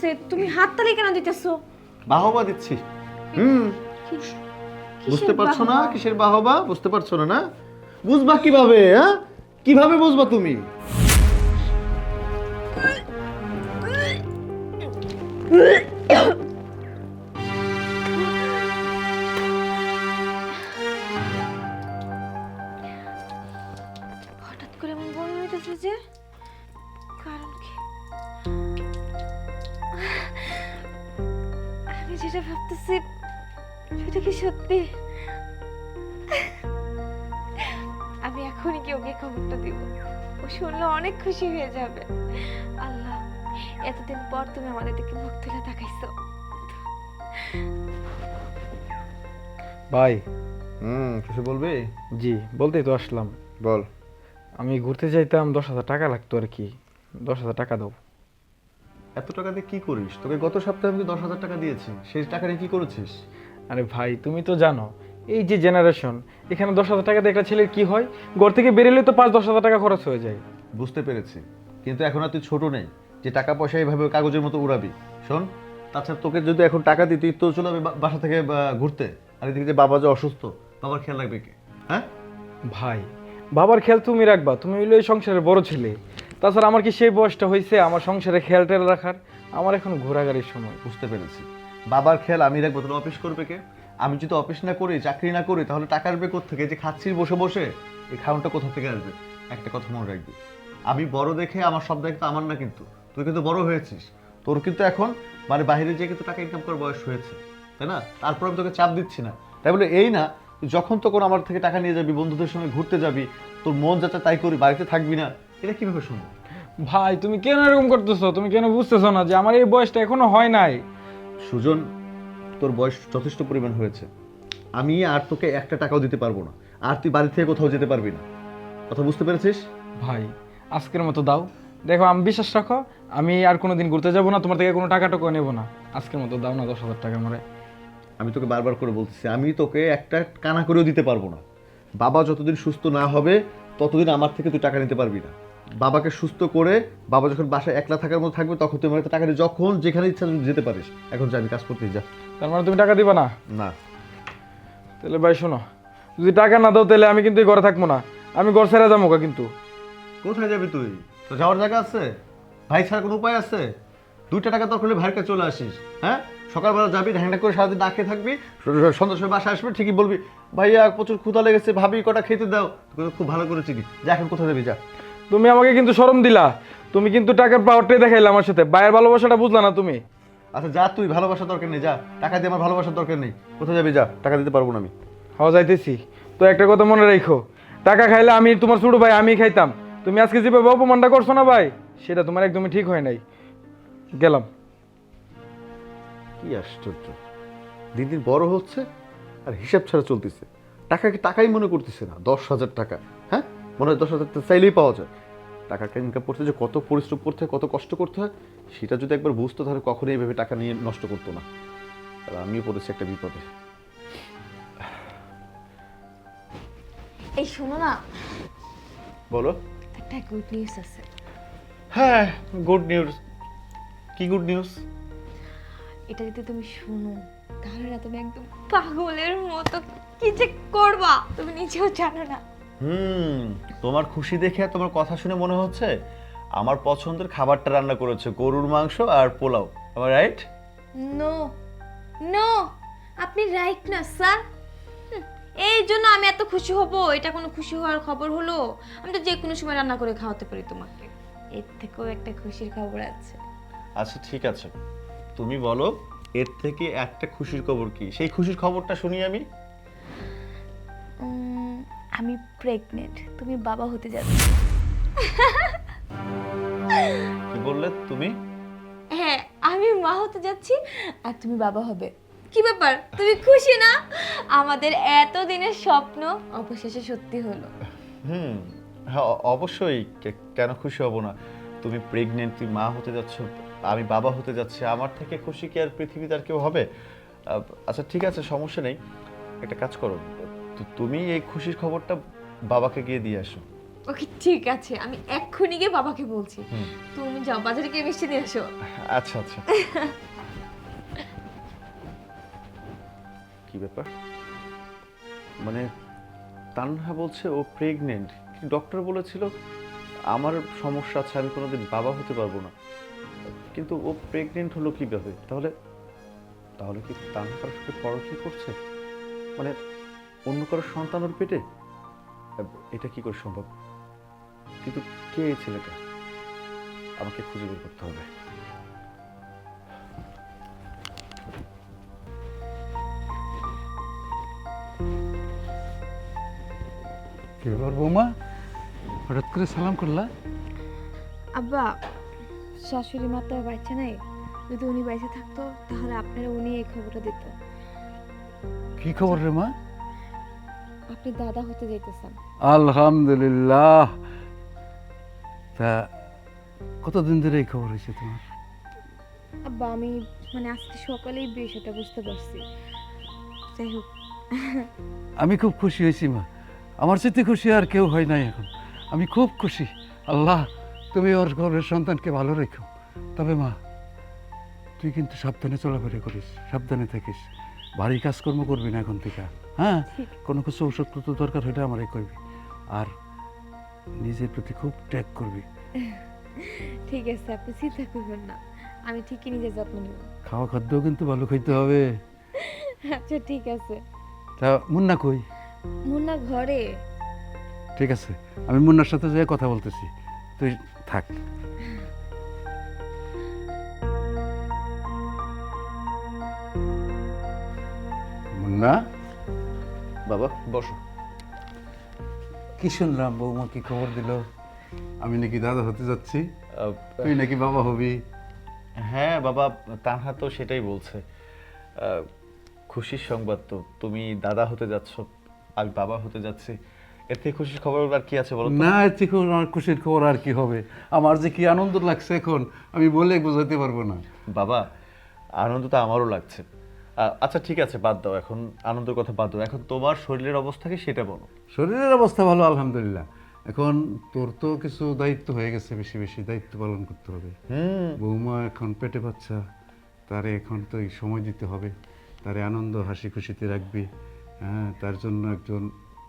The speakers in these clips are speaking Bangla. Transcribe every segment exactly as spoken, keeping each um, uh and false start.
হইতাছে, তুমি হাততালি কেন দিতেছো? বাহবা দিচ্ছি। হুম, বুঝতে পারছো না বাহবা? কিসের বাহবা? বুঝতে পারছো না না? বুঝবা কিভাবে? হ্যাঁ, কিভাবে বুঝবা তুমি? হঠাৎ করে এমন বমি হইতেছে যে, কারণ কি? আমি যেটা ভাবতেছি সেটা কি সত্যি? আমি এখনই কি ওকে খবরটা দিব? ও শুনলে অনেক খুশি হয়ে যাবে। আল্লাহ, এতদিন পর তুমি আমাদের দিকে মুখ তুলে তাকাইছো। ভাই। হুম, কিছু বলবি? জি, বলতেই তো আসলাম। বল। আমি ঘুরতে চাইতাম, দশ হাজার টাকা লাগতো আর কি। দশ হাজার টাকা দাও। এত টাকা দিয়ে কি করিস? তোকে গত সপ্তাহে আমি দশ হাজার টাকা দিয়েছি, সেই টাকা নিয়ে কি করেছিস? আরে ভাই, তুমি তো জানো এই যে জেনারেশন, এখানে দশ হাজার টাকা দিয়ে একটা ছেলের কি হয়? ঘর থেকে বেরোলে তো পাঁচ দশ হাজার টাকা খরচ হয়ে যায়। বুঝতে পেরেছি, কিন্তু এখন আর তুই ছোট নেই যে টাকা পয়সা এইভাবে কাগজের মতো উড়াবি। শোন, তাছাড়া তোকে যদি এখন টাকা দিই, তুই তো চলে যাবি বা- বাসা থেকে বা, ঘুরতে। আর এদিকে যে বাবা যে অসুস্থ, বাবার খেয়াল রাখবে কে? হ্যাঁ, ভাই, বাবার খেয়াল তুমি রাখবা, তুমি হইলো এই সংসারের বড় ছেলে। তাছাড়া আমার কি সেই বয়সটা হয়েছে আমার সংসারে খেয়াল টেয়াল রাখার? আমার এখন ঘোরাঘুরির সময়। বুঝতে পেরেছি। বাবার খেয়াল আমি রাখবো, তাহলে অফিস করবে কে? আমি যদি অফিস না করি, চাকরি না করি, তাহলে টাকা আসবে কোত্থেকে? যে খাচ্ছিস বসে বসে, এই খাউনটা কোথা থেকে আসবে? একটা কথা মনে রাখবি, আমি বড় দেখে আমার সব দায়িত্ব আমার না, কিন্তু তুই কিন্তু বড় হয়েছিস, তোর কিন্তু এখন মানে বাইরে যেয়ে কিন্তু টাকা ইনকাম করার বয়স হয়েছে, তাই না? তারপর আমি তোকে চাপ দিচ্ছি না, তাই বলে এই না তুই যখন তখন আমার থেকে টাকা নিয়ে যাবি, বন্ধুদের সঙ্গে ঘুরতে যাবি, তোর মন যাতে তাই করি, বাড়িতে থাকবি না, এটা কিভাবে সম্ভব? ভাই, তুমি কেন এরকম করতেছো? তুমি কেন বুঝতেছো না যে আমার এই বয়সটা এখনো হয় নাই? সুজন, তোর বয়স যথেষ্ট পরিমাণ হয়েছে, আমি আর তোকে একটা টাকাও দিতে পারবো না, আর তুই বাড়ি থেকে কোথাও যেতে পারবি না। কথা বুঝতে পেরেছিস? ভাই, আজকের মতো দাও। দেখো, আমি বিশ্বাস রাখো, আমি আর কোনোদিন ঘুরতে যাবো না, তোমার থেকে কোনো টাকা টাকা নেবো না। আজকের মতো দাও না দশ হাজার টাকা আমারে। আমি তোকে বারবার করে বলতেছি, আমি তোকে একটা কানা করেও দিতে পারবো না। বাবা যতদিন সুস্থ না হবে, ততদিন আমার থেকে তুই টাকা নিতে পারবি না। বাবাকে সুস্থ করে, বাবা যখন বাসায় একলা থাকার মতো থাকবে, তখন তুই আমার কাছে টাকা নিয়ে যখন যেখানে ইচ্ছা তুই যেতে পারিস। এখন যা, আমি কাজ করতে যা। তার মানে তুমি টাকা দিবা না? না। তাহলে ভাই শোনো, যদি টাকা না দাও তাহলে আমি কিন্তু এই ঘরে থাকবো না, আমি ঘর ছেড়ে যাবো গা কিন্তু। কোথায় যাবি তুই? তো যাওয়ার জায়গা আছে? ভাই ছাড়া কোনো উপায় আছে? দুইটা টাকা দরকার হলে ভাইয়ের কাছে চলে আসিস। হ্যাঁ, সকালবেলা যাবি, ঢ্যাংটা করে সারাদিন না খেয়ে থাকবি, সন্ধ্যার সময় বাসা আসবে, ঠিকই বলবি ভাইয়া প্রচুর ক্ষুধা লেগেছে, ভাবি কটা খেতে দাও। তোকে তো খুব ভালো করে চিনি। যা, এখন কোথায় যাবি যা। তুমি আমাকে কিন্তু শরম দিলা, তুমি কিন্তু টাকার পাওয়ারটাই দেখাইলা আমার সাথে, ভাইয়ের ভালোবাসাটা বুঝলা না তুমি। আচ্ছা যা, তুই ভালোবাসার দরকার নেই, যা। টাকা দিয়ে আমার ভালোবাসার দরকার নেই। কোথায় যাবি যা, টাকা দিতে পারবো না আমি। হওয়া যাইতেছি তো, একটা কথা মনে রাখো, টাকা খাইলে আমি তোমার ছোট ভাই, আমি খাইতাম। তুমি আজকে যেভাবে অপমানটা করছো না ভাই, সেটা তোমার একদমই ঠিক হয় নাই। গেলাম। কি আশ্চর্য, দিন দিন বড় হচ্ছে আর হিসাব ছাড়া চলতেছে। টাকাকে টাকাই মনে করতেছে না। দশ হাজার টাকা, হ্যাঁ, মনে হয় দশ হাজার টাকা চাইলেই পাওয়া যায়। টাকাকে ইনকাম করতে যে কত পরিশ্রম করতে হয়, কত কষ্ট করতে হয়, সেটা যদি একবার বুঝতো, তাহলে কখনোই এইভাবে টাকা নিয়ে নষ্ট করতো না। আর আমিও পড়েছি একটা বিপদে। এই শোনো না, বলো। একটা গুড নিউজ আছে। হ্যাঁ, গুড নিউজ। কি গুড নিউজ? এটা যদি তুমি শুনো, তাহলে না তুমি একদম পাগলের মতো কি যে করবা তুমি নিজেও জানো না। হুম, তোমার খুশি দেখে আর তোমার কথা শুনে মনে হচ্ছে আমার পছন্দের খাবারটা রান্না করেছে, গরুর মাংস আর পোলাও। আমার রাইট? নো নো, আপনি রাইট না স্যার। এই জন্য আমি এত খুশি হব, এটা কোনো খুশি হওয়ার খবর হলো? আমি তো যে কোনো সময় রান্না করে খাওয়াতে পারি তোমাকে। এর থেকেও একটা খুশির খবর আছে। আচ্ছা ঠিক আছে, তুমি বলো এর থেকে একটা খুশির খবর কি? সেই খুশির খবরটা শুনি আমি। উম, আমি প্রেগনেন্ট, তুমি বাবা হতে যাচ্ছ। কি বললে তুমি? হ্যাঁ, আমি মা হতে যাচ্ছি আর তুমি বাবা হবে। কি ব্যাপার, তুমি খুশি না? আমাদের এত দিনের স্বপ্ন অবশেষে সত্যি হলো। হুম, হ্যাঁ অ- অবশ্যই, কে- কেন খুশি হব না? তুমি প্রেগনেন্ট, তুমি মা হতে যাচ্ছ, আমি বাবা হতে যাচ্ছি, আমার থেকে খুশি কি আর পৃথিবীতে আর কেউ হবে? আহ, আচ্ছা ঠিক আছে, সমস্যা নেই। একটা কাজ করো, তু- তুমি এই খুশির খবরটা বাবাকে গিয়ে দিয়ে আসো। ওকে ঠিক আছে, আমি এক্ষুনি গিয়ে বাবাকে বলছি। হুম। তুমি যাও বাজারে গিয়ে মিষ্টি নিয়ে আসো। আচ্ছা আচ্ছা। কি ব্যাপার, মানে তানহা বলছে ও প্রেগনেন্ট, ডক্টর বলেছিল আমার সমস্যা আছে, আমি কোনোদিন বাবা হতে পারবো না, কিন্তু ও প্রেগনেন্ট হলো কিভাবে? তাহলে তাহলে কি তানহা কারোর সাথে পরকীয়া করছে, মানে অন্য কারোর সন্তান ওর পেটে? এটা কি করে সম্ভব? কিন্তু কে এই ছেলেটা? আমাকে খুঁজে বের করতে হবে। কি ব্যাপার বৌমা, হঠাৎ করে সালাম করলা? আব্বা, শাশুড়ি মা তো আর বাচ্চা নাই, যদি উনি বাইসে থাকতো তাহলে আপনারা উনি এই খবরটা দিত। কি খবর রে মা? আপনি দাদা হতে যাইতেছেন। আলহামদুলিল্লাহ। তা কতদিন ধরে এই খবর হয়েছে তোমার? আব্বা, আমি মানে আজকে সকালেই বিষয়টা বুঝতে পারছি। যাই হোক, আমি খুব খুশি হয়েছি মা, আমার সাথে খুশি আর কেউ হয় নাই এখন। আমি খুব খুশি। আল্লাহ তুমি ওর ঘরের সন্তানকে ভালো রেখো। তবে মা, তুই কিন্তু সাবধানে চলাফেরা করিস, সাবধানে থাকিস, ভারী কাজকর্ম করবি না এখন থেকে। হ্যাঁ, কোনো কিছু ওষুধপত্র দরকার হলে আমারই করবি, আর নিজের প্রতি খুব ট্যাগ করবি। ঠিক আছে, আপনি চিন্তা করবেন না, আমি ঠিকই নিজের যত্ন নেব। খাওয়া খাদ্যও কিন্তু ভালো খাইতে হবে। আচ্ছা ঠিক আছে। তা মুন্না কই? মুন্না ঘরে। ঠিক আছে, আমি মুন্নার সাথে যেয়ে কথা বলতেছি, তুই থাক। মুন্না, বাবা বসো। কি শুনলাম বৌমা কি খবর দিল? আমি নাকি দাদা হতে যাচ্ছি, আহ, তুই নাকি বাবা হবি। হ্যাঁ বাবা, তানহা তো সেটাই বলছে। আহ, খুশির সংবাদ তো, তুমি দাদা হতে যাচ্ছ, আমি বাবা হতে যাচ্ছি, এর থেকে খুশির খবর আর কি আছে বলো তো? না, এর থেকে আমার খুশির খবর আর কি হবে? আমার যে কি আনন্দ লাগছে এখন, আমি বলে বোঝাতে পারবো না। বাবা, আনন্দ তো আমারও লাগছে। আহ, আচ্ছা ঠিক আছে, বাদ দাও এখন আনন্দের কথা, বাদ দাও, এখন তোমার শরীরের অবস্থা কি সেটা বলো। শরীরের অবস্থা ভালো আলহামদুলিল্লাহ। এখন তোর তো কিছু দায়িত্ব হয়ে গেছে, বেশি বেশি দায়িত্ব পালন করতে হবে। হুম। বৌমা এখন পেটে বাচ্চা, তারে এখন তো এই সময় দিতে হবে, তারে আনন্দ হাসি খুশিতে রাখবি। হ্যাঁ, তার জন্য একজন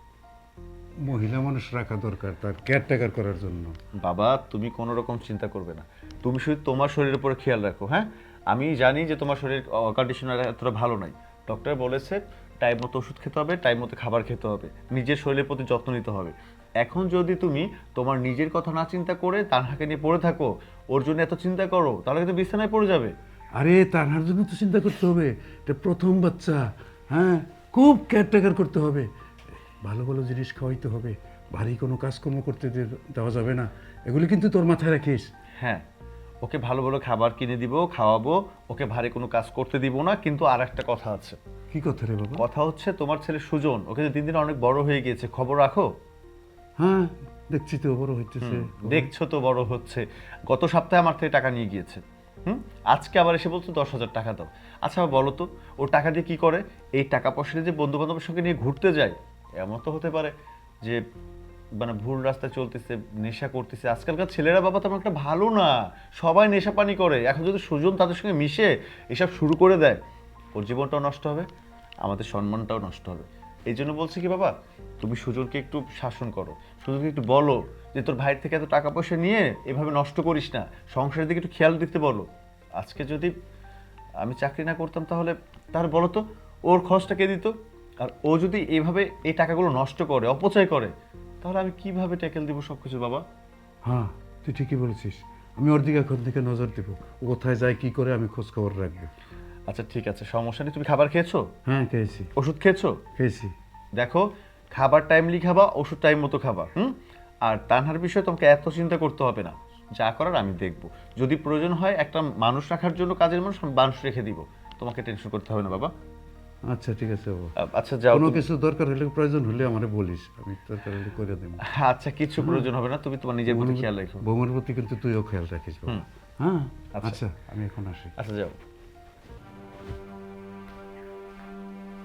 মহিলা মানুষ রাখা দরকার, তার কেয়ারটেকার করার জন্য। বাবা, তুমি কোনো রকম চিন্তা করবে না, তুমি শুধু তোমার শরীরের উপরে খেয়াল রাখো। হ্যাঁ, আমি জানি যে তোমার শরীর কন্ডিশন এতটা ভালো নাই, ডক্টর বলেছে টাইম মতো ওষুধ খেতে হবে, টাইম মতো খাবার খেতে হবে, নিজের শরীরের প্রতি যত্ন নিতে হবে। এখন যদি তুমি তোমার নিজের কথা না চিন্তা করে তানহাকে নিয়ে পড়ে থাকো, ওর জন্য এত চিন্তা করো, তাহলে কিন্তু বিছানায় পড়ে যাবে। আরে তার জন্য তো চিন্তা করতে হবে, এটা প্রথম বাচ্চা। হ্যাঁ, খুব কেয়ারটেকার করতে হবে, ভালো ভালো জিনিস খাওয়াইতে হবে, ভারী কোনো কাজকর্ম করতে দে- দেওয়া যাবে না। এগুলি কিন্তু তোর মাথায় রাখিস। হ্যাঁ, ওকে ভালো ভালো খাবার কিনে দিব, খাওয়াবো, ওকে ভারী কোনো কাজ করতে দিব না। কিন্তু আর একটা কথা আছে। কি কথা রে বাবা? কথা হচ্ছে তোমার ছেলে সুজন, ওকে যে দিন দিন অনেক বড় হয়ে গিয়েছে, খবর রাখো। হ্যাঁ, দেখছি তো বড় হইতেছে। দেখছো তো বড় হচ্ছে, গত সপ্তাহে আমার থেকে টাকা নিয়ে গিয়েছে। হুম, আজকে আবার এসে বলছো দশ হাজার টাকা দাও। আচ্ছা বলো তো, ও টাকা দিয়ে কি করে? এই টাকা পয়সা দিয়ে যে বন্ধু বান্ধবের সঙ্গে নিয়ে ঘুরতে যায়, এমন তো হতে পারে যে মানে ভুল রাস্তায় চলতেছে, নেশা করতেছে। আজকালকার ছেলেরা বাবা তেমন একটা ভালো না, সবাই নেশা পানি করে। এখন যদি সুজন তাদের সঙ্গে মিশে এসব শুরু করে দেয়, ওর জীবনটাও নষ্ট হবে, আমাদের সম্মানটাও নষ্ট হবে। এই জন্য বলছি কি বাবা, তুমি সুজনকে একটু শাসন করো, সুজনকে একটু বলো যে তোর ভাইয়ের থেকে এত টাকা পয়সা নিয়ে এভাবে নষ্ট করিস না, সংসারের দিকে একটু খেয়াল দিতে বলো। আজকে যদি আমি চাকরি না করতাম তাহলে তাহলে বলো তো ওর খরচটা কে দিত? আর ও যদি এইভাবে এই টাকাগুলো নষ্ট করে, অপচয় করে, তাহলে আমি কিভাবে ট্যাকেল দিব সব কিছু বাবা? হ্যাঁ, তুই ঠিকই বলেছিস, আমি ওর দিকে এখন থেকে নজর দেবো, ও কোথায় যায় কি করে আমি খোঁজ খবর রাখবো। আচ্ছা ঠিক আছে, সমস্যা নেই। তুমি খাবার খেয়েছো? হ্যাঁ খেয়েছি, ওষুধ খেয়েছো? খেয়েছি। দেখো, খাবার টাইমলি খাবা, ওষুধ টাইম মতো খাবা। হুম, আর তানহার বিষয়ে তোমাকে এত চিন্তা করতে হবে না, যা করার আমি দেখব। যদি প্রয়োজন হয় একটা মানুষ রাখার জন্য, কাজের মানুষ, আমি মানুষ রেখে দিব, তোমাকে টেনশন করতে হবে না বাবা। আচ্ছা ঠিক আছে বাবা, আ- আচ্ছা যাও কোনো তুমি। কিছু দরকার হলে প্রয়োজন হলে আমারে বলিস, আমি দরকার হলে করে দেবো। আচ্ছা, কিছু প্রয়োজন হবে না, তুমি তোমার নিজের প্রতি খেয়াল রাখো। বৌমার প্রতি কিন্তু তুইও খেয়াল রাখিস বাবা। হুম। হ্যাঁ, আচ্ছা। আচ্ছা আমি এখন আসি। আচ্ছা যাও।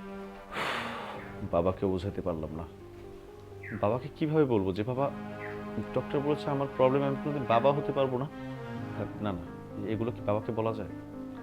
বাবাকে বোঝাতে পারলাম না, বাবাকে কিভাবে বলবো যে বাবা ডক্টর বলেছে আমার প্রবলেম আমি কোনোদিন বাবা হতে পারবো না। না না, এগুলো কি বাবাকে বলা যায়?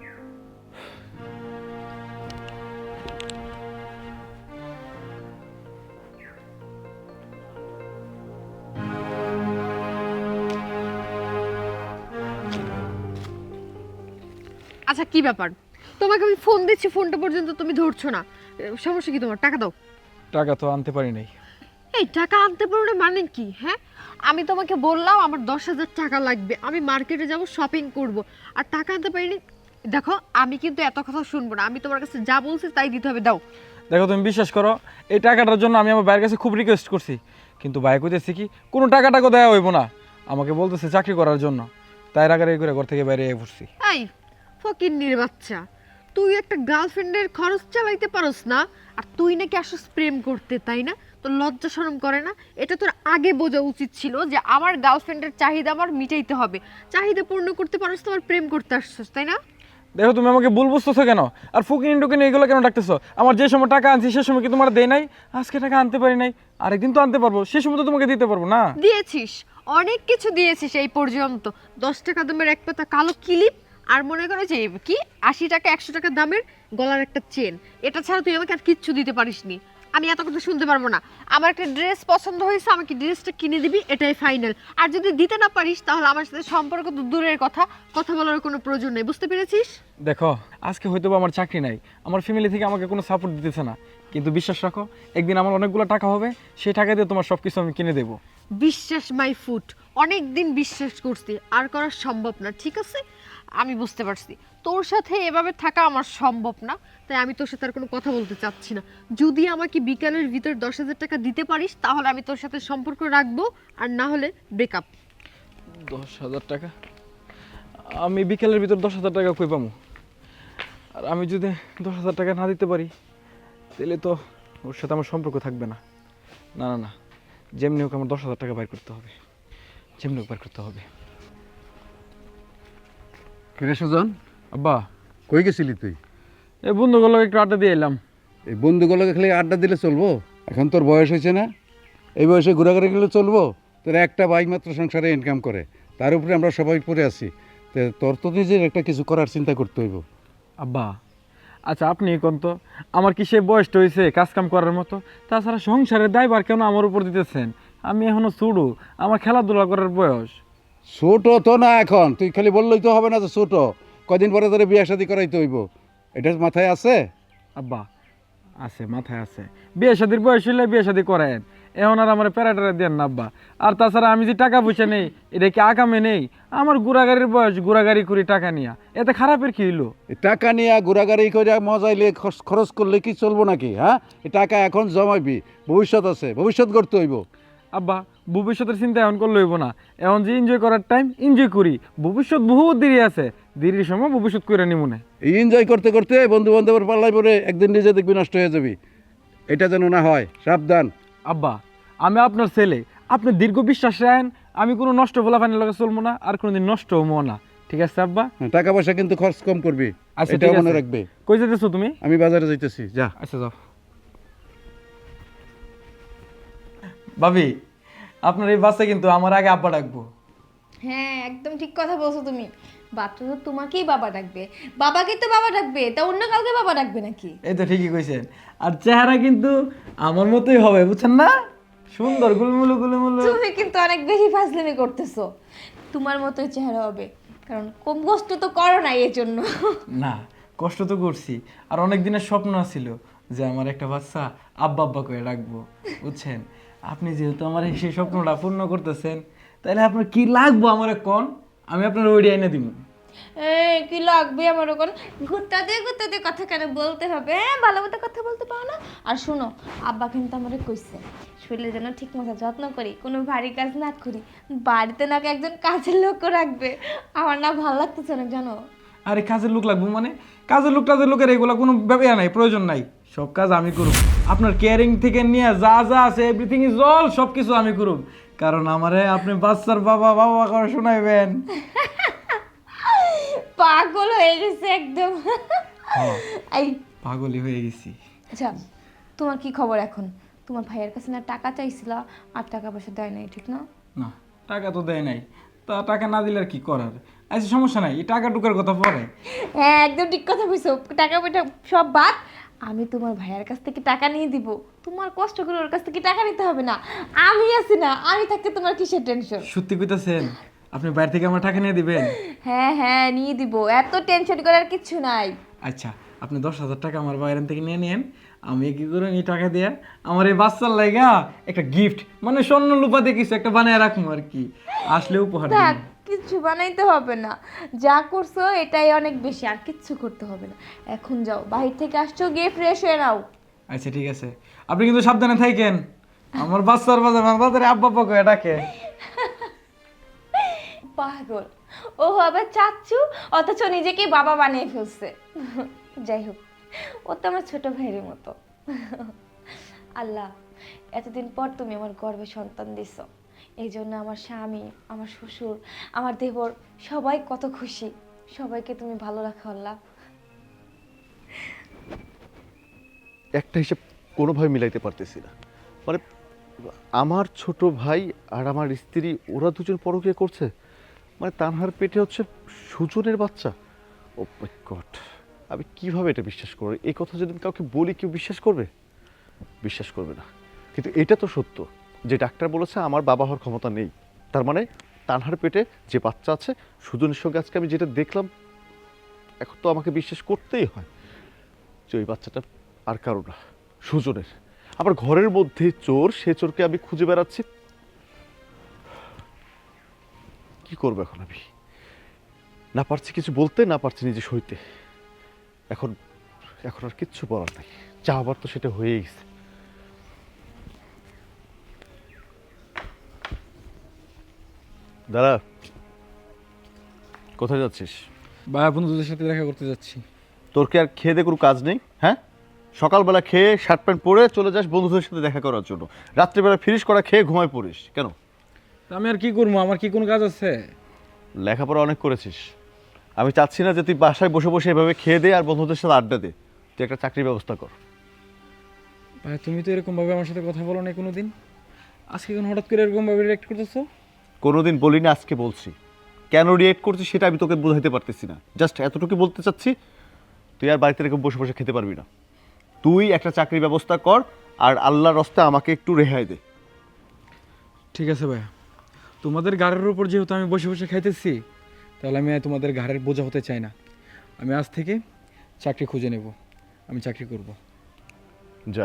আচ্ছা কি ব্যাপার, তোমাকে আমি ফোন দিচ্ছি, ফোনটা পর্যন্ত তুমি ধরছো না, এ, সমস্যা কি তোমার? টাকা দাও। টাকা তো আনতে পারি নাই। এই টাকা আনতে পারো না মানে কি? হ্যাঁ, আমি তোমাকে বললাম আমার দশ হাজার টাকা লাগবে, আমি মার্কেটে যাব, শপিং করব, আর টাকা আনতে পারিনি। দেখো আমি কিন্তু এত কথা শুনবো না, আমি তোমার কাছে যা বলছি তাই দিতে হবে, দাও। দেখো তুমি বিশ্বাস করো, এই টাকাটার জন্য আমি আমার ভাইয়ের কাছে খুব রিকোয়েস্ট করছি, কিন্তু ভাই কইতেছে কি কোনো টাকা টাকা দেওয়া হইব না, আমাকে বলতেছে চাকরি করার জন্য। তাই রাগারাগি করে ঘর থেকে বাইরে পড়ছি। এই ফকিন্নির বাচ্চা, তুই একটা গার্লফ্রেন্ডের খরচ চালাইতে পারস না, আর তুই নাকি আসস প্রেম করতে, তাই না? তোর লজ্জা শরম করে না? এটা তোর আগে বোঝা উচিত ছিল যে আমার গার্লফ্রেন্ডের চাহিদা আমার মিটাইতে হবে, চাহিদা পূর্ণ করতে পারস, তোমার প্রেম করতে আসছস, তাই না? দেখো তুমি আমাকে ভুল বুঝতেছো কেন, আর ফুকিনি টুকিনি এগুলো কেন ডাকতেছো? আমার যে সময় টাকা আনছি সে সময় কি তোমার দেয় নাই? আজকে টাকা আনতে পারি নাই, আরেকদিন তো আনতে পারবো, সে সময় তো তোমাকে দিতে পারবো না। দিয়েছিস, অনেক কিছু দিয়েছিস এই পর্যন্ত। দশ টাকা দামের এক পাতা কালো ক্লিপ, আর মনে করো যে কি আশি টাকা একশো টাকা দামের গলার একটা চেন, এটা ছাড়া তুই আমাকে আর কিচ্ছু দিতে পারিসনি। আমি এত কথা শুনতে পারবো না। আমার একটা ড্রেস পছন্দ হয়েছে, আমাকে ড্রেসটা কিনে দিবি, এটাই ফাইনাল। আর যদি দিতে না পারিস তাহলে আমার সাথে সম্পর্ক তো দূরের কথা, কথা বলার কোনো প্রয়োজন নেই, বুঝতে পেরেছিস? দেখো আজকে হয়তো বা আমার চাকরি নাই, আমার ফ্যামিলি থেকে আমাকে কোনো সাপোর্ট দিতেছে না, কিন্তু বিশ্বাস রাখো একদিন আমার অনেকগুলো টাকা হবে, সেই টাকা দিয়ে তোমার সব কিছু আমি কিনে দেবো। বিশ্বাস মাই ফুট, অনেক দিন বিশ্বাস করছি, আর করা সম্ভব না, ঠিক আছে? আমি বুঝতে পারছি তোর সাথে এভাবে থাকা আমার সম্ভব না, তাই আমি তোর সাথে আর কোনো কথা বলতে চাচ্ছি না। যদি আমাকে বিকালের ভিতর দশ হাজার টাকা দিতে পারিস তাহলে আমি তোর সাথে সম্পর্ক রাখবো, আর না হলে ব্রেকআপ। দশ হাজার টাকা? আমি বিকেলের ভিতর দশ হাজার টাকা কই পাবো? আর আমি যদি দশ হাজার টাকা না দিতে পারি তাহলে তো ওর সাথে আমার সম্পর্ক থাকবে না। না না না, যেমনি হোক আমার দশ হাজার টাকা বাইর করতে হবে, যেমনি হোক বাইর করতে হবে। কিরে সুজন, আব্বা, কই গেছিলি তুই? এই বন্ধুগুলো একটু আড্ডা দিয়ে এলাম। এই বন্ধুগুলোকে খালি আড্ডা দিলে চলবো? এখন তোর বয়স হয়েছে না, এই বয়সে ঘোরাঘুরি গেলে চলবো? তোর একটা বাইক মাত্র সংসারে ইনকাম করে, তার উপরে আমরা সবাই পড়ে আছি, তো তোর তো নিজের একটা কিছু করার চিন্তা করতে হইব। আব্বা আচ্ছা আপনি কোন তো, আমার কি সে বয়সটা হয়েছে কাজ কাম করার মতো? তাছাড়া সংসারের দায়ভার কেন আমার উপর দিতেছেন? আমি এখনো ছোটো, আমার খেলাধুলা করার বয়স। ছোট তো না এখন, তুই খালি বললেই তো হবে না যে ছোট, কদিন পরে তোরে বিয়ে শাদী করাইতে হইব, এটা মাথায় আছে? আব্বা আছে, মাথায় আছে, বিয়ে শাদির বয়স হইলে বিয়ে শাদি করেন, এখন আর আমার প্যারাটারা দেন না আব্বা। আর তাছাড়া আমি যে টাকা পয়সা নেই, এটা কি আকামে নেই? আমার গুড়াগাড়ির বয়স, গুড়াগাড়ি করি টাকা নিয়া, এতে খারাপের কি হইলো? এই টাকা নিয়ে ঘোরাঘুরি করে মজাইলে খরচ- খরচ করলে কি চলবো নাকি? হ্যাঁ, এই টাকা এখন জমাইবি, ভবিষ্যৎ আছে, ভবিষ্যৎ গড়তে হইব। আব্বা ভবিষ্যতের চিন্তা এখন করলে হইব না, এখন যে এনজয় করার টাইম এনজয় করি, ভবিষ্যৎ বহুত দেরি আছে, দেরির সময় ভবিষ্যৎ করে নিমুনে। এই এনজয় করতে করতে বন্ধু বান্ধবের পাল্লাই পরে একদিন নিজে দেখবি নষ্ট হয়ে যাবি, এটা যেন না হয়, সাবধান। আব্বা আমি আপনার ছেলে, আপনি দীর্ঘ বিশ্বাস রাখেন, আমি কোনো নষ্ট বলা পানির লগে চলবো না, আর কোনোদিন নষ্ট হবো না, ঠিক আছে আব্বা? হ্যাঁ, টাকা পয়সা কিন্তু খরচ কম করবি, আচ্ছা এটা ঠিক মনে আছে। রাখবে। কই যেতেছো তুমি? আমি বাজারে যাইতেছি, যা। আচ্ছা যাও। ভাবি আপনার এই বাচ্চা কিন্তু আমার আগে আব্বা ডাকবো। হ্যাঁ একদম ঠিক কথা বলছো তুমি, বাচ্চা তো তোমাকেই বাবা ডাকবে, বাবাকে তো বাবা ডাকবে, তা অন্য কাউকে বাবা ডাকবে নাকি? এই তো ঠিকই কইছেন, আর চেহারা কিন্তু আমার মতোই হবে, বুঝছেন না? সুন্দর গুলমুলু গুলমুলু। তুমি কিন্তু অনেক বেশি ফাজলামি করতেছো, তোমার মতোই চেহারা হবে, কারণ কম কষ্ট তো করো না এই জন্য। না কষ্ট তো করছি, আর অনেক দিনের স্বপ্ন ছিল যে আমার একটা বাচ্চা আব্বা আব্বা করে রাখবো, বুঝছেন? আপনি যেহেতু আমার এই সেই স্বপ্নটা পূর্ণ করতেছেন, তাহলে আপনার কি লাগবো আমার কোন, আমি আপনার ওইডি এনে দিব। এই কি লাগবে আমার ওখানে? ঘুরতে ঘুরতে কথা কেন বলতে হবে? হ্যাঁ ভালো মতো কথা বলতে পারো না? আর শোনো, আব্বা কিন্তু আমারে কইছে শরীরে যেন ঠিক মতো যত্ন করি, কোনো ভারী কাজ না করি, বাড়িতে নাকি একজন কাজের লোকও রাখবে। আমার না ভালো লাগতেছে না জানো। আরে কাজের লোক লাগবো মানে? কাজের লোক টাজের লোকের এগুলো কোনো ব্যাপার নাই, প্রয়োজন নাই, সব কাজ আমি করব। আপনার কেয়ারিং থেকে নিয়ে যা যা আছে এভরিথিং ইজ অল, সব কিছু আমি করব, কারণ আমারে আপনি বাচ্চার বাবা বাবা করে শোনাইবেন। পাগল হয়ে গেছে একদম। এই পাগলই হয়ে গেছি। আচ্ছা তোমার কি খবর এখন? তোমার ভাইয়ের কাছে না টাকা চাইছিলা, আর টাকা পয়সা দেয় নাই, ঠিক না? না, টাকা তো দেয় নাই, তা টাকা না দিলে আর কি করার। আচ্ছা সমস্যা নাই, এই টাকা টুকার কথা পরে। হ্যাঁ একদম ঠিক কথা বলছো, টাকা পয়সা সব বাদ, আমি তোমার ভাইয়ের কাছ থেকে টাকা নিয়ে দিব, তোমার কষ্ট করে ওর কাছ থেকে টাকা নিতে হবে না, আমি আছি না, আমি থাকতে তোমার কিসের টেনশন? সত্যি কইতাছেন? আপনি বাইরে থেকে আমার টাকা নিয়ে দিবেন? হ্যাঁ হ্যাঁ নিয়ে দিব, এত টেনশন করার কিছু নাই। আচ্ছা আপনি দশ হাজার টাকা আমার বাইরে থেকে নিয়ে নিন, আমি কি করে এই টাকা দিয়ে আমার এই বাচ্চার লাইগা একটা গিফট মানে স্বর্ণ লুপা দিয়ে কিছু একটা বানায় রাখবো আর কি, আসলে উপহার দিব। থাক, কিচ্ছু বানাইতে হবে না, যা করছো এটাই অনেক বেশি, আর কিচ্ছু করতে হবে না। এখন যাও, বাহির থেকে আসছো, গিয়ে ফ্রেশ হয়ে নাও। আচ্ছা ঠিক আছে, আপনি কিন্তু সাবধানে থাকেন, আমার বাচ্চার বাজার আমার বাজারে আব্বা আব্বা করে ডাকে। পাগল, ও হবে চাচ্ছু অথচ নিজেকে বাবা বানিয়ে ফেলছে। যাই হোক, ও তো আমার ছোট ভাইয়ের মতো। আল্লাহ, এতদিন পর তুমি আমার গর্ভে সন্তান দিছ, এই জন্য আমার স্বামী, আমার শ্বশুর, আমার দেবর সবাই কত খুশি। সবাইকে তুমি ভালো রাখো আল্লাহ। একটা হিসেব কোনোভাবে মিলাইতে পারতেছি না, মানে আমার ছোট ভাই আর আমার স্ত্রী ওরা দুজন পরকীয়া করছে, মানে তানহার পেটে হচ্ছে সুজনের বাচ্চা। ও মাই গড, আমি কিভাবে এটা বিশ্বাস করব? এই কথা যদি আমি কাউকে বলি কেউ বিশ্বাস করবে? বিশ্বাস করবে না। কিন্তু এটা তো সত্য যে ডাক্তার বলেছে আমার বাবা হওয়ার ক্ষমতা নেই, তার মানে তানহার পেটে যে বাচ্চা আছে সুজনের সঙ্গে আজকে আমি যেটা দেখলাম, এখন তো আমাকে বিশ্বাস করতেই হয় যে ওই বাচ্চাটা আর কারো না, সুজনের। আবার ঘরের মধ্যে চোর, সে চোরকে আমি খুঁজে বেড়াচ্ছি। কি করবো এখন আমি? না পারছি কিছু বলতে, না পারছি নিজে সইতে। এখন এখন আর কিচ্ছু বলার নাই, যা হবার তো সেটা হয়েই গেছে। দাঁড়া, কোথায় যাচ্ছিস? ভাই বন্ধুদের সাথে দেখা করতে যাচ্ছি। তোর কি আর খেয়ে দিয়ে কোনো কাজ নেই? হ্যাঁ, সকালবেলা খেয়ে শার্ট প্যান্ট পরে চলে যাস বন্ধুদের সাথে দেখা করার জন্য, রাত্রিবেলা ফিরিস করা খেয়ে ঘুমায় পড়িস কেন? তা আমি আর কি করবো, আমার কি কোনো কাজ আছে? লেখাপড়া অনেক করেছিস, আমি চাচ্ছি না যে তুই বাসায় বসে বসে এভাবে খেয়ে দে আর বন্ধুদের সাথে আড্ডা দে, তুই একটা চাকরির ব্যবস্থা কর। ভাই তুমি তো এরকম ভাবে আমার সাথে কথা বলো না কোনোদিন, আজকে কেন হঠাৎ করে এরকম ভাবে রিঅ্যাক্ট করতেছো? কোনোদিন বলিনি, আজকে বলছি। কেন রিয়েক্ট করছিস সেটা আমি তোকে বোঝাইতে পারতেছি না, জাস্ট এতটুকু বলতে চাচ্ছি, তুই আর বাড়িতে এরকম বসে বসে খেতে পারবি না। তুই একটা চাকরির ব্যবস্থা কর আর আল্লাহর রাস্তায় আমাকে একটু রেহাই দে। ঠিক আছে ভাইয়া, তোমাদের ঘাড়ের উপর যেহেতু আমি বসে বসে খাইতেছি, তাহলে আমি আর তোমাদের ঘাড়ের বোঝা হতে চাই না। আমি আজ থেকে চাকরি খুঁজে নেব, আমি চাকরি করব। যা।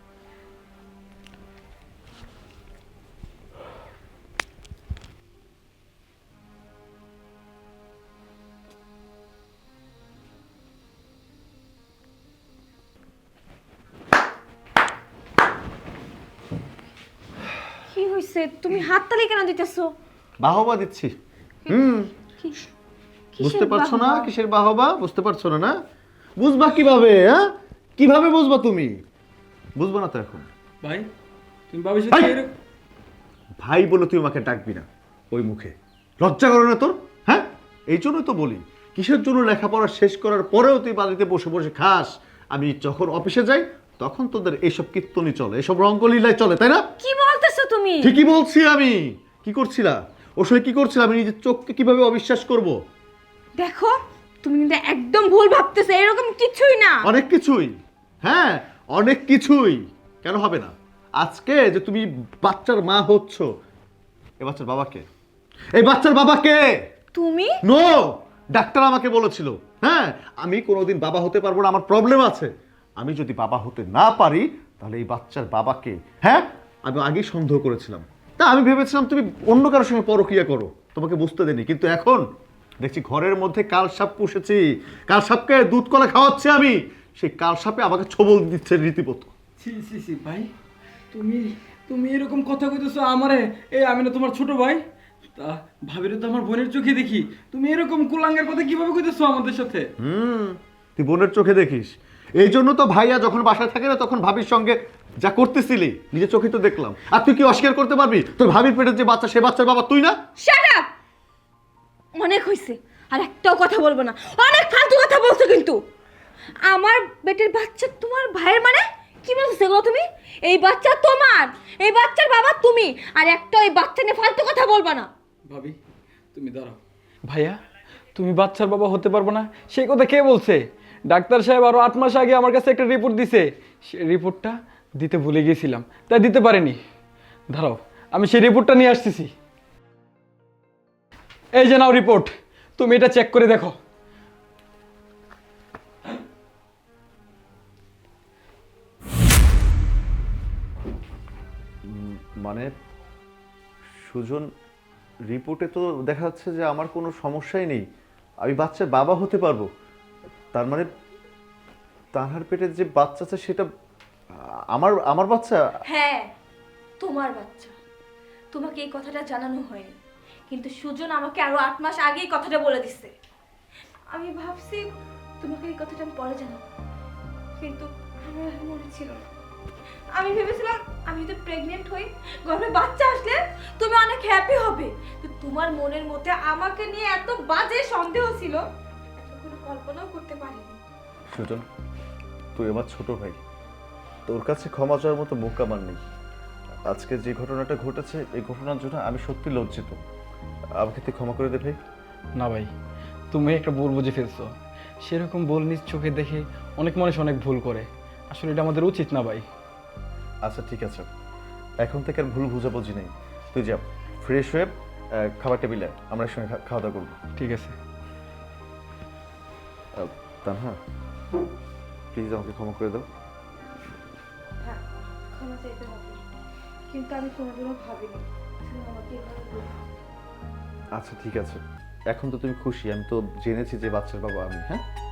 কি হয়েছে, তুমি হাততালি কেন দিতেছো? বাহবা দিচ্ছি। হুম, বুঝতে পারছো না বাহবা? কিসের বাহবা? বুঝতে পারছো না? না বুঝবা কিভাবে? হ্যাঁ, কিভাবে বুঝবা তুমি? বুঝবা না তো এখন। ভাই তুমি ভাবির সাথে ভাই! এরকম ভাই বলে তুই আমাকে ডাকবি না ওই মুখে, লজ্জা করে না তোর? হ্যাঁ, এই জন্যই তো বলি, কিসের জন্য লেখাপড়া শেষ করার পরেও তুই বাড়িতে বসে বসে খাস? আমি যখন অফিসে যাই তখন তোদের এইসব কীর্তনই চলে, এসব রঙ্গলীলায় চলে, তাই না? কি বলতেছো তুমি? ঠিকই বলছি আমি। কি করছিলা ওর সঙ্গে? কি করছিলাম? আমি নিজের চোখকে কিভাবে অবিশ্বাস করব? দেখো, তুমি কিন্তু একদম ভুল ভাবতেছো, এরকম কিছুই না। অনেক কিছুই, হ্যাঁ অনেক কিছুই। কেন হবে না? আজকে যে তুমি বাচ্চার মা হচ্ছ, এই বাচ্চার বাবাকে, এই বাচ্চার বাবাকে তুমি নো, ডাক্তার আমাকে বলেছিল, হ্যাঁ আমি কোনোদিন বাবা হতে পারবো না, আমার প্রবলেম আছে। আমি যদি বাবা হতে না পারি তাহলে এই বাচ্চার বাবাকে, হ্যাঁ আমি আগেই সন্দেহ করেছিলাম, তা আমি ভেবেছিলাম তুমি অন্য কারোর সঙ্গে পরক্রিয়া করো, তোমাকে বুঝতে দেনি। কিন্তু এখন দেখছি ঘরের মধ্যে কাল সাপ পুষেছি, কাল সাপকে দুধ কলা খাওয়াচ্ছি আমি, সেই কাল সাপে আমাকে ছবল দিচ্ছে রীতিমতো। সি সি সি ভাই, তুমি তুমি এরকম কথা কইতেছো আমারে? এই আমি না তোমার ছোট ভাই, তা ভাবিরে তো আমার বোনের চোখে দেখি, তুমি এরকম কুলাঙ্গের কথা কিভাবে কইতেছো আমাদের সাথে? হুম, তুই বোনের চোখে দেখিস, এই জন্য তো ভাইয়া যখন বাসায় থাকে না তখন ভাবির সঙ্গে যা করতেছিলি নিজের চোখে তো দেখলাম। আর তুই কি অস্বীকার করতে পারবি তোর ভাবির পেটের যে বাচ্চা সে বাচ্চার বাবা তুই না? শাট আপ, অনেক হইছে, আর একটাও কথা বলবো না। অনেক ফালতু কথা বলছো কিন্তু। আমার পেটের বাচ্চা তোমার ভাইয়ের মানে কি বলছো এগুলো তুমি? এই বাচ্চা তোমার, এই বাচ্চার বাবা তুমি, আর একটা ওই বাচ্চা নিয়ে ফালতু কথা বলবা না। ভাবি তুমি দাঁড়াও। ভাইয়া তুমি বাচ্চার বাবা হতে পারবো না সেই কথা কে বলছে? ডাক্তার সাহেব আরো আট মাস আগে আমার কাছে একটা রিপোর্ট দিছে, সেই রিপোর্টটা দিতে ভুলে গিয়েছিলাম, তাই দিতে পারিনি। দাঁড়াও আমি সেই রিপোর্টটা নিয়ে আসতেছি। এই যে নাও রিপোর্ট, তুমি এটা চেক করে দেখো। মানে সুজন, রিপোর্টে তো দেখা যাচ্ছে যে আমার কোনো সমস্যাই নেই, আমি বাচ্চার বাবা হতে পারবো। তার মানে তাহার পেটে যে বাচ্চা আছে সেটা আমার আমার বাচ্চা? হ্যাঁ, তোমার বাচ্চা। তোমাকে এই কথাটা জানানো হয়নি, কিন্তু সুজন আমাকে আরো আট মাস আগেই কথাটা বলে দিচ্ছে। আমি ভাবছি তোমাকে এই কথাটা আমি পরে জানাবো, কিন্তু আমার আর মনে ছিল না। আমি ভেবেছিলাম আমি যদি প্রেগনেন্ট হই, গর্ভে বাচ্চা আসলে তুমি অনেক হ্যাপি হবে। তো তোমার মনের মধ্যে আমাকে নিয়ে এত বাজে সন্দেহ ছিল, এটা কোনো কল্পনাও করতে পারিনি। সুজন, তুই আমার ছোট ভাই, তোর কাছে ক্ষমা চাওয়ার মতো মুখ আমার নেই। আজকে যে ঘটনাটা ঘটেছে এই ঘটনার জন্য আমি সত্যি লজ্জিত, আমাকে তুই ক্ষমা করে দে ভাই। না ভাই, তুমি একটা ভুল বুঝে ফেলছো। সেরকম ভুল নিজ চোখে দেখে অনেক মানুষ অনেক ভুল করে, আসলে এটা আমাদের উচিত না ভাই। আচ্ছা ঠিক আছে, এখন থেকে আর ভুল বুঝাবুঝি নেই। তুই যা, ফ্রেশ হয়ে আহ, খাবার টেবিলে আয়, আমরা একসঙ্গে খা- খাওয়া দাওয়া করবো। ঠিক আছে। তানহা, প্লিজ আমাকে ক্ষমা করে দাও। হ্যাঁ, ক্ষমা চাইতে হবে, কিন্তু আমি কোনোদিনও ভাবিনি তুমি আমাকে এভাবে বলবে। আচ্ছা ঠিক আছে, এখন তো তুমি খুশি, আমি তো জেনেছি যে বাচ্চার বাবা আমি। হ্যাঁ